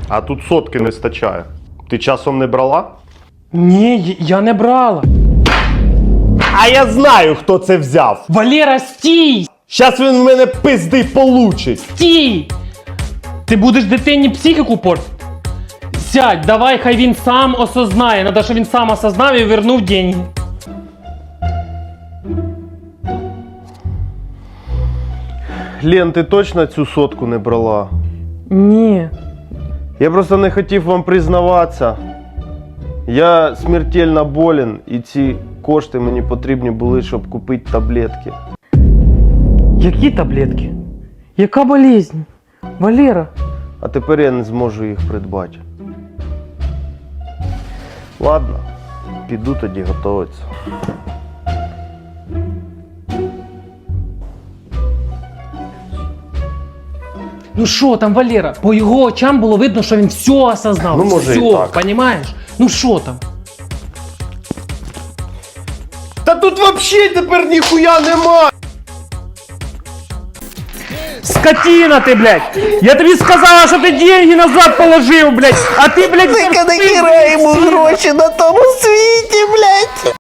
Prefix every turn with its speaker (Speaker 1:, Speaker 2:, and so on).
Speaker 1: А тут сотки не стачає. Ти часом не брала?
Speaker 2: Ні, я не брала.
Speaker 1: А я знаю, хто це взяв.
Speaker 2: Валера, стій!
Speaker 1: Щас він в мене пизди получить.
Speaker 2: Стій! Ти будеш дитині психіку портити? Сядь, давай, хай він сам осознає. Надо, щоб він сам осознав і вернув деньги.
Speaker 1: Лен, ти точно цю сотку не брала?
Speaker 2: Ні.
Speaker 1: Я просто не хотів вам признаватися. Я смертельно болен, і ці кошти мені потрібні були, щоб купити таблетки.
Speaker 2: Які таблетки? Яка болезнь? Валера.
Speaker 1: А тепер я не зможу їх придбати. Ладно, піду тоді готуватися.
Speaker 2: Ну що там, Валера? По його очам було видно, що він все осознав.
Speaker 1: Ну, може,
Speaker 2: все,
Speaker 1: і так.
Speaker 2: понімаєш? Ну що там?
Speaker 1: Та тут взагалі тепер ніхуя нема!
Speaker 2: Скотина ти, блядь! Я тобі сказала, що ти деньги назад положив, блядь! А ти, блядь,
Speaker 3: Нахера йому гроші на тому світі, блядь!